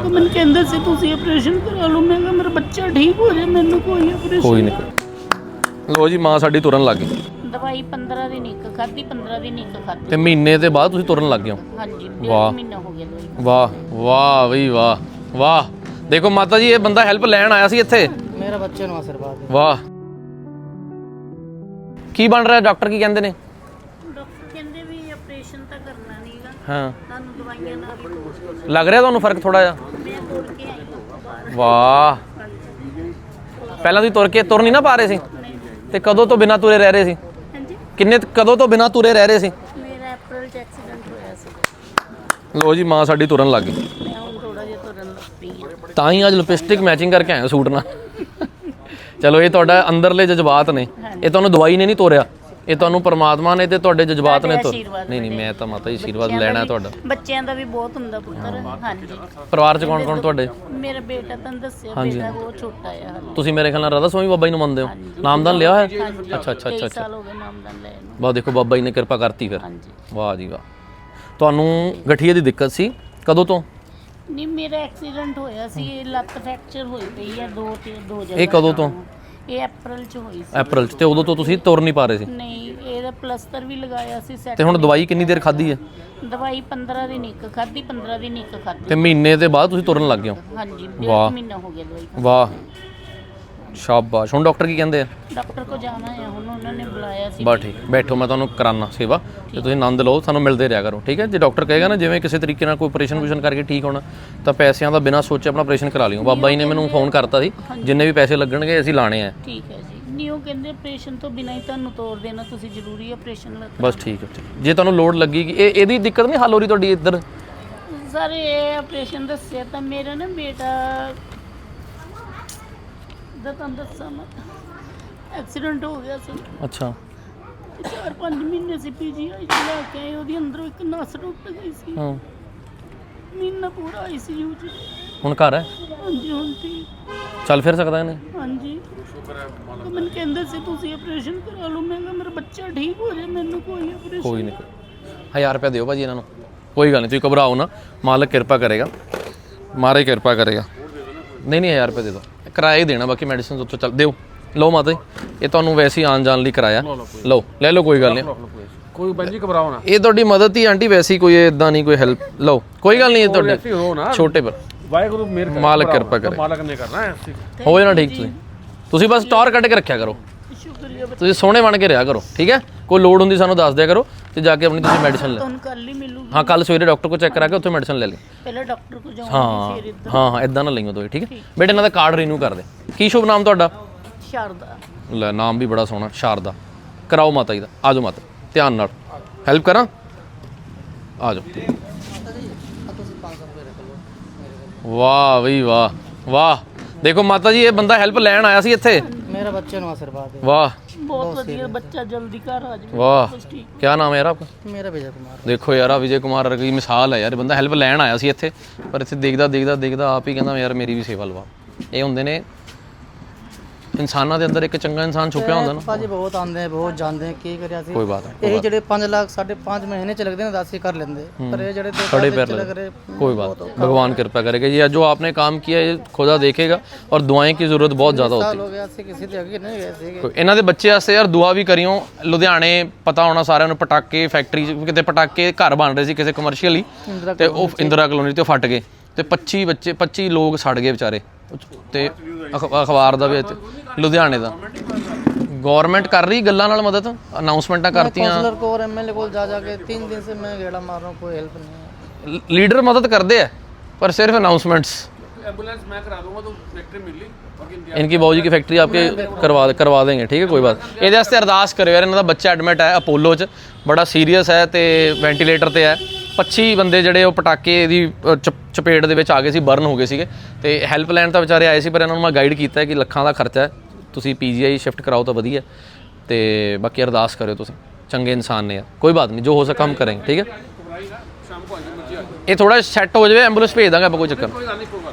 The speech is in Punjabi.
ਮੈਨੂੰ ਕਹਿੰਦੇ ਸੀ ਤੁਸੀਂ ਆਪਰੇਸ਼ਨ ਕਰਾ ਲਓ। ਮੈਂ ਕਿਹਾ ਮੇਰਾ ਬੱਚਾ ਠੀਕ ਹੋ ਜਾਏ, ਮੈਨੂੰ ਕੋਈ ਆਪਰੇਸ਼ਨ ਕੋਈ ਨਹੀਂ। ਲੋ ਜੀ ਮਾਂ ਸਾਡੀ ਤੁਰਨ ਲੱਗ ਗਈ। ਦਵਾਈ 15 ਦਿਨ ਇੱਕ ਖਾਧੀ, 15 ਦਿਨ ਇੱਕ ਖਾਧੀ ਤੇ ਮਹੀਨੇ ਦੇ ਬਾਅਦ ਤੁਸੀਂ ਤੁਰਨ ਲੱਗ ਗਏ ਹੋ। ਹਾਂਜੀ, ਵਾਹ। 1.5 ਮਹੀਨਾ ਹੋ ਗਿਆ ਦਵਾਈ। ਵਾਹ ਵਾਹ ਬਈ ਵਾਹ ਵਾਹ। ਦੇਖੋ ਮਾਤਾ ਜੀ, ਇਹ ਬੰਦਾ ਹੈਲਪ ਲੈਣ ਆਇਆ ਸੀ ਇੱਥੇ। मेरा बच्चे ਨੂੰ आशीर्वाद है। ਵਾਹ। ਕੀ ਬਣ ਰਿਹਾ? ਡਾਕਟਰ ਕੀ ਕਹਿੰਦੇ ਨੇ? ਡਾਕਟਰ ਕਹਿੰਦੇ ਵੀ ਆਪਰੇਸ਼ਨ ਤਾਂ ਕਰਨਾ ਨਹੀਂਗਾ, ਹਾਂ, ਤੁਹਾਨੂੰ ਦਵਾਈਆਂ ਨਾਲ ਹੀ ਬਹੁਤ ਲੱਗ ਰਿਹਾ ਤੁਹਾਨੂੰ ਫਰਕ ਥੋੜਾ ਜਿਹਾ? ਮੈਂ ਤੁਰ ਕੇ ਆਈ ਹਾਂ ਬਾਹਰ। ਵਾਹ। ਪਹਿਲਾਂ ਤੁਸੀਂ ਤੁਰ ਨਹੀਂ ਨਾ ਪਾ ਰਹੇ ਸੀ, ਤੇ ਕਦੋਂ ਤੋਂ ਬਿਨਾਂ ਤੁਰੇ ਰਹਿ ਰਹੇ ਸੀ? ਹਾਂਜੀ, ਕਦੋਂ ਤੋਂ ਬਿਨਾਂ ਤੁਰੇ ਰਹਿ ਰਹੇ ਸੀ? ਮੇਰਾ ਅਪ੍ਰੈਲ 'ਚ ਐਕਸੀਡੈਂਟ ਹੋਇਆ ਸੀ। ਲੋ ਜੀ ਮਾਂ ਸਾਡੀ ਤੁਰਨ ਲੱਗ ਗਈ। ਮੈਂ ਹੁਣ ਥੋੜਾ ਜਿਹਾ ਤੁਰਨ ਲੱਗ ਪਈ ਹਾਂ। ਤਾਂ ਹੀ ਅੱਜ ਲਿਪਸਟਿਕ ਮੈਚਿੰਗ ਕਰਕੇ ਆਏ ਸੂਟ ਨਾਲ। ਚਲੋ ਇਹ ਤੁਹਾਡਾ ਅੰਦਰਲੇ ਜਜ਼ਬਾਤ ਨੇ, ਇਹ ਤੁਹਾਨੂੰ ਦਵਾਈ ਨੇ ਨਹੀਂ ਤੋਰਿਆ, ਇਹ ਤੁਹਾਨੂੰ ਪਰਮਾਤਮਾ ਨੇ ਤੇ ਤੁਹਾਡੇ ਜਜ਼ਬਾਤ ਨੇ ਨਹੀਂ ਮੈਂ ਤਾਂ ਮਾਤਾ ਜੀ ਆਸ਼ੀਰਵਾਦ ਲੈਣਾ ਤੁਹਾਡਾ। ਬੱਚਿਆਂ ਦਾ ਵੀ ਬਹੁਤ ਹੁੰਦਾ ਪੁੱਤਰ। ਹਾਂਜੀ, ਪਰਿਵਾਰ ਚ ਕੌਣ ਕੌਣ ਤੁਹਾਡੇ? ਮੇਰਾ ਬੇਟਾ ਤੁਹਾਨੂੰ ਦੱਸਿਆ, ਬੇਟਾ ਬਹੁਤ ਛੋਟਾ ਹੈ ਹਾਲੇ। ਤੁਸੀਂ ਮੇਰੇ ਖਿਆਲ ਨਾਲ ਰਾਧਾ ਸਵਾਮੀ ਬਾਬਾ ਜੀ ਨੂੰ ਮੰਨਦੇ ਹੋ? ਨਾਮਦਾਨ ਲਿਆ ਹੋਇਆ? ਅੱਛਾ ਅੱਛਾ ਅੱਛਾ 23 ਸਾਲ ਹੋ ਗਏ ਨਾਮਦਾਨ ਲੈਣ ਨੂੰ। ਵਾਹ, ਦੇਖੋ ਬਾਬਾ ਜੀ ਨੇ ਕਿਰਪਾ ਕਰਤੀ ਫਿਰ। ਹਾਂਜੀ, ਵਾਹ ਜੀ ਵਾਹ। ਤੁਹਾਨੂੰ ਗਠੀਏ ਦੀ ਦਿੱਕਤ ਸੀ ਕਦੋਂ ਤੋਂ? ਨਹੀਂ, ਮੇਰਾ ਐਕਸੀਡੈਂਟ ਹੋਇਆ ਸੀ, ਇਹ ਲੱਤ ਫ੍ਰੈਕਚਰ ਹੋਈ ਪਈ ਹੈ ਦੋ ਜਗ੍ਹਾ। ਇਹ ਕਦੋਂ ਤੋਂ? ਇਹ ਅਪ੍ਰੈਲ 'ਚ ਹੋਈ ਸੀ। ਅਪ੍ਰੈਲ 'ਚ। ਤੇ ਉਦੋਂ ਤੋਂ ਤੁਸੀਂ ਤੁਰ ਨਹੀਂ ਪਾ ਰਹੇ ਸੀ? ਨਹੀਂ, ਇਹਦਾ ਪਲਸਤਰ ਵੀ ਲਗਾਇਆ ਸੀ ਸੈੱਟ। ਤੇ ਹੁਣ ਦਵਾਈ ਕਿੰਨੀ ਦੇਰ ਖਾਧੀ ਹੈ? ਦਵਾਈ 15 ਦਿਨ ਇੱਕ ਖਾਧੀ, 15 ਦਿਨ ਇੱਕ ਖਾਧੀ। ਤੇ ਮਹੀਨੇ ਦੇ ਬਾਅਦ ਤੁਸੀਂ ਤੁਰਨ ਲੱਗ ਗਏ ਹੋ? ਹਾਂਜੀ, ਵਾਹ। 1.5 ਮਹੀਨਾ ਹੋ ਗਿਆ ਦਵਾਈ। ਵਾਹ, ਸ਼ਾਬਾਸ਼। ਹੁਣ ਡਾਕਟਰ ਕੀ ਕਹਿੰਦੇ ਆ? ਡਾਕਟਰ ਕੋ ਜਾਣਾ ਹੈ ਹੁਣ, ਉਹਨਾਂ ਨੇ ਬੁਲਾਇਆ ਸੀ। ਬਸ ਠੀਕ, ਬੈਠੋ, ਮੈਂ ਤੁਹਾਨੂੰ ਕਰਾਨਾ ਸੇਵਾ ਤੇ ਤੁਸੀਂ ਆਨੰਦ ਲਓ, ਸਾਨੂੰ ਮਿਲਦੇ ਰਿਹਾ ਕਰੋ, ਠੀਕ ਹੈ? ਜੇ ਡਾਕਟਰ ਕਹੇਗਾ ਨਾ ਜਿਵੇਂ ਕਿਸੇ ਤਰੀਕੇ ਨਾਲ ਕੋਈ ਆਪਰੇਸ਼ਨ ਕਰਕੇ ਠੀਕ ਹੋਣਾ, ਤਾਂ ਪੈਸਿਆਂ ਦਾ ਬਿਨਾਂ ਸੋਚੇ ਆਪਣਾ ਆਪਰੇਸ਼ਨ ਕਰਾ ਲਿਓ। ਬਾਬਾ ਜੀ ਨੇ ਮੈਨੂੰ ਫੋਨ ਕਰਤਾ ਸੀ, ਜਿੰਨੇ ਵੀ ਪੈਸੇ ਲੱਗਣਗੇ ਅਸੀਂ ਲਾਣੇ ਆ। ਠੀਕ ਹੈ ਜੀ। ਨਹੀਂ, ਉਹ ਕਹਿੰਦੇ ਆਪਰੇਸ਼ਨ ਤੋਂ ਬਿਨਾਂ ਹੀ ਤੁਹਾਨੂੰ ਤੋੜ ਦੇਣਾ, ਤੁਸੀਂ ਜ਼ਰੂਰੀ ਆਪਰੇਸ਼ਨ ਲੱਗ। ਬਸ ਠੀਕ ਹੈ। ਜੇ ਤੁਹਾਨੂੰ ਲੋੜ ਲੱਗੀ ਕਿ ਇਹਦੀ ਦਿੱਕਤ ਨਹੀਂ ਹੱਲ ਹੋ ਰਹੀ ਤੁਹਾਡੀ ਇੱਧਰ? ਸਰ, ਇਹ ਆਪਰੇਸ਼ਨ ਦੱਸਿਆ ਤਾਂ ਮੇਰਾ ਨਾ ਬੇਟਾ ਦਾ ਤੁਹਾਨੂੰ ਦੱਸਾਂ ਮੈਂ, ਐਕਸੀਡੈਂਟ ਹੋ ਗਿਆ ਸੀ। ਅੱਛਾ। 4-5 ਮਹੀਨੇ ਸੀ ਪੀਜੀਆਈ 'ਚ ਲੈ ਕੇ ਆਏ, ਉਹਦੀ ਅੰਦਰੋਂ ਇੱਕ ਨਸ ਟੁੱਟ ਗਈ ਸੀ। ਹਾਂ, ਮਹੀਨਾ ਪੂਰਾ ਆਈਸੀਯੂ 'ਚ। ਹੁਣ ਘਰ ਹੈ? ਹਾਂਜੀ, ਹੁਣ ਠੀਕ। ਚੱਲ ਫਿਰ ਸਕਦਾ ਇਹਨੇ? ਹਾਂਜੀ, ਮੈਨੂੰ ਕਹਿੰਦੇ ਸੀ ਤੁਸੀਂ ਆਪਰੇਸ਼ਨ ਕਰਾ ਲਓ। ਮੈਂ ਕਿਹਾ ਮੇਰਾ ਬੱਚਾ ਠੀਕ ਹੋ ਜਾਏ, ਮੈਨੂੰ ਕੋਈ ਆਪਰੇਸ਼ਨ। ਕੋਈ ਨਹੀਂ, 1000 ਰੁਪਏ ਦਿਓ ਭਾਜੀ ਇਹਨਾਂ ਨੂੰ। ਕੋਈ ਗੱਲ ਨਹੀਂ, ਤੁਸੀਂ ਘਬਰਾਓ ਨਾ, ਮਾਲਕ ਕਿਰਪਾ ਕਰੇਗਾ, ਮਾਰੇ ਕਿਰਪਾ ਕਰੇਗਾ। ਨਹੀਂ 1000 ਰੁਪਏ ਦੇ ਦਿਓ, ਕਿਰਾਇਆ ਹੀ ਦੇਣਾ, ਬਾਕੀ ਮੈਡੀਸਿਨ ਉੱਥੋਂ ਚੱਲ ਦਿਓ। ਲਓ ਮਾਤਾ ਜੀ, ਇਹ ਤੁਹਾਨੂੰ ਵੈਸੇ ਹੀ ਆਉਣ ਜਾਣ ਲਈ ਕਿਰਾਇਆ। ਲਓ, ਲੈ ਲਓ, ਕੋਈ ਗੱਲ ਨਹੀਂ। ਕੋਈ ਬੰਜੀ ਘਬਰਾਓ ਨਾ, ਇਹ ਤੁਹਾਡੀ ਮਦਦ ਹੀ ਆਂਟੀ, ਵੈਸੇ ਕੋਈ ਇਦਾਂ ਨਹੀਂ ਕੋਈ ਹੈਲਪ। ਲਓ, ਕੋਈ ਗੱਲ ਨਹੀਂ, ਇਹ ਤੁਹਾਡੇ ਛੋਟੇ ਪਰ ਵਾਹਿਗੁਰੂ ਮੇਰ ਕਰੇ, ਮਾਲਕ ਕਿਰਪਾ ਕਰੇ, ਮਾਲਕ ਨੇ ਕਰਨਾ ਹੈ। ਹੋ ਜਾਣਾ ਠੀਕ। ਤੁਸੀਂ ਬਸ ਟੌਰ ਕੱਢ ਕੇ ਰੱਖਿਆ ਕਰੋ, ਸ਼ੁਕਰੀਆ। ਤੁਸੀਂ ਸੋਹਣੇ ਬਣ ਕੇ ਰਿਹਾ ਕਰੋ, ਠੀਕ ਹੈ? ਕੋਈ ਲੋੜ ਹੁੰਦੀ ਸਾਨੂੰ ਦੱਸ ਦਿਆ ਕਰੋ, ਤੇ ਜਾ ਕੇ ਆਪਣੀ ਤੁਸੀਂ ਮੈਡੀਸਨ ਲੈ। ਤੁਹਾਨੂੰ ਕੱਲ ਹੀ ਮਿਲੂਗੀ। ਹਾਂ, ਕੱਲ ਸਵੇਰੇ ਡਾਕਟਰ ਕੋਲ ਚੈੱਕ ਕਰਾ ਕੇ ਉੱਥੇ ਮੈਡੀਸਨ ਲੈ ਲਈ। ਪਹਿਲਾਂ ਡਾਕਟਰ ਕੋ ਜਾਊਂਗੀ, ਹਾਂ ਫਿਰ ਇੱਧਰ। ਹਾਂ, ਇਦਾਂ ਨਾ ਲਈਓ ਦੋਏ, ਠੀਕ ਹੈ? ਬੇਟੇ ਇਹਨਾਂ ਦਾ ਕਾਰਡ ਰੀਨਿਊ ਕਰ ਦੇ। ਕੀ ਸ਼ੁਭ ਨਾਮ ਤੁਹਾਡਾ? ਸ਼ਾਰਦਾ। ਲੈ, ਨਾਮ ਵੀ ਬੜਾ ਸੋਹਣਾ, ਸ਼ਾਰਦਾ। ਕਰਾਓ ਮਾਤਾ ਜੀ ਦਾ, ਆ ਜਾਓ ਮਾਤਾ, ਧਿਆਨ ਨਾਲ। ਹੈਲਪ ਕਰਾਂ? ਆ ਜਾਓ। ਵਾਹ ਬਈ ਵਾਹ ਵਾਹ। ਦੇਖੋ ਮਾਤਾ ਜੀ, ਇਹ ਬੰਦਾ ਹੈਲਪ ਲੈਣ ਆਇਆ ਸੀ ਇੱਥੇ। मेरा बच्चे ਨੂੰ आशीर्वाद है। ਵਾਹ ਬਹੁਤ ਵਧੀਆ, ਬੱਚਾ ਜਲਦੀ ਘਰ ਆ ਜਾਵੇ। ਵਾਹ। ਬਸ ਠੀਕ। क्या नाम है यार आपका? मेरा विजय कुमार। ਦੇਖੋ ਯਾਰ, ਆ ਵਿਜੇ ਕੁਮਾਰ ਵਰਗੀ ਮਿਸਾਲ ਹੈ ਯਾਰ। ਇਹ ਬੰਦਾ ਹੈਲਪ ਲੈਣ ਆਇਆ ਸੀ ਇੱਥੇ, ਪਰ ਇੱਥੇ ਦੇਖਦਾ ਆਪ ਹੀ ਕਹਿੰਦਾ ਯਾਰ ਮੇਰੀ ਵੀ ਸੇਵਾ ਲਵਾ। ਇਹ ਹੁੰਦੇ ਨੇ ਇਨਸਾਨਾਂ ਦੇ ਅੰਦਰ ਇੱਕ ਚੰਗਾ ਇਨਸਾਨ ਛੁਪਿਆ ਹੁੰਦਾ ਨਾ। ਭਾਜੀ ਬਹੁਤ ਆਉਂਦੇ ਆ, ਬਹੁਤ ਜਾਂਦੇ ਆ, ਕੀ ਕਰਿਆ ਸੀ। ਕੋਈ ਬਾਤ ਇਹੀ ਜਿਹੜੇ 5 ਲੱਖ 5.5 ਮਹੀਨੇ ਚ ਲੱਗਦੇ ਨੇ 10 ਹੀ ਕਰ ਲੈਂਦੇ, ਪਰ ਇਹ ਜਿਹੜੇ 2 खड़े साल पैर ਚ लगे। लग रहे। कोई बात, भगवान कृपा करेगा। ये जो आपने काम किया ये खुदा देखेगा, और दुआएं की जरूरत बहुत ज़्यादा होती है। ਹੋ ਗਿਆ ਸੀ, ਕਿਸੇ ਦੇ ਅੱਗੇ ਨਹੀਂ ਗਏ ਸੀਗੇ। ਕੋਈ ਇਹਨਾਂ ਦੇ ਬੱਚੇ ਵਾਸਤੇ ਯਾਰ ਦੁਆ ਵੀ ਕਰਿਓ। ਲੁਧਿਆਣੇ ਪਤਾ ਹੋਣਾ ਸਾਰਿਆਂ ਨੂੰ, ਪਟਾਕੇ ਫੈਕਟਰੀ ਕਿਤੇ ਪਟਾਕੇ ਘਰ ਬਣ ਰਹੇ ਸੀ ਕਿਸੇ ਕਮਰਸ਼ੀਅਲੀ, ਤੇ ਉਹ ਇੰਦਰਾ ਕਲੋਨੀ ਤੇ ਫਟ ਗਏ, ਤੇ 25 ਲੋਕ ਸੜ ਗਏ ਵਿਚਾਰੇ। ਤੇ ਅਖਬਾਰ ਦਾ ਵੀ ਲੁਧਿਆਣੇ ਦਾ ਗਵਰਨਮੈਂਟ ਕਰ ਰਹੀ ਗੱਲਾਂ ਨਾਲ ਮਦਦ, ਅਨਾਉਂਸਮੈਂਟਾਂ ਕਰਤੀਆਂ। ਕਾਉਂਸਲਰ ਕੋ ਔਰ ਐਮਐਲਏ ਕੋਲ ਜਾ ਕੇ 3 दिन से मैं गेड़ा मार रहा हूं, कोई हेल्प नहीं है। ਲੀਡਰ ਮਦਦ ਕਰਦੇ ਆ, पर सिर्फ अनाउंसमेंट्स। एम्बुलेंस मैं करा दूंगा, तो फैक्ट्री मिल ली। इनकी बाबू जी की फैक्ट्री आपके करवा देंगे, ठीक है? कोई बात। ਇਹਦੇ ਵਾਸਤੇ ਅਰਦਾਸ ਕਰਿਓ ਯਾਰ। ਇਹਨਾਂ ਦਾ ਬੱਚਾ ਐਡਮਿਟ ਹੈ ਅਪੋਲੋ 'ਚ, ਬੜਾ ਸੀਰੀਅਸ ਹੈ ਤੇ ਵੈਂਟੀਲੇਟਰ ਤੇ ਹੈ। 25 ਬੰਦੇ ਜਿਹੜੇ ਉਹ ਪਟਾਕੇ ਦੀ ਚਪੇਟ ਦੇ ਵਿੱਚ ਆ ਗਏ ਸੀ, ਬਰਨ ਹੋ ਗਏ ਸੀਗੇ, ਤੇ ਹੈਲਪ ਲੈਣ ਤਾਂ ਵਿਚਾਰੇ ਆਏ ਸੀ, ਪਰ ਇਹਨਾਂ ਨੂੰ ਮੈਂ ਗਾਈਡ ਕੀਤਾ ਹੈ ਕਿ ਲੱਖਾਂ ਦਾ ਖਰਚਾ ਹੈ, ਤੁਸੀਂ ਪੀਜੀਆਈ ਸ਼ਿਫਟ ਕਰਾਓ ਤਾਂ ਵਧੀਆ। ਤੇ ਬਾਕੀ ਅਰਦਾਸ ਕਰਿਓ ਤੁਸੀਂ, ਚੰਗੇ ਇਨਸਾਨ ਨੇ ਯਾਰ। ਕੋਈ ਬਾਤ ਨਹੀਂ, ਜੋ ਹੋ ਸਕੇ ਹਮ ਕਰਾਂਗੇ, ਠੀਕ ਹੈ? ਇਹ ਥੋੜਾ ਸੈੱਟ ਹੋ ਜਾਵੇ, ਐਂਬੂਲੈਂਸ ਭੇਜ ਦਾਂਗੇ ਆਪਾਂ, ਕੋਈ ਚੱਕਰ।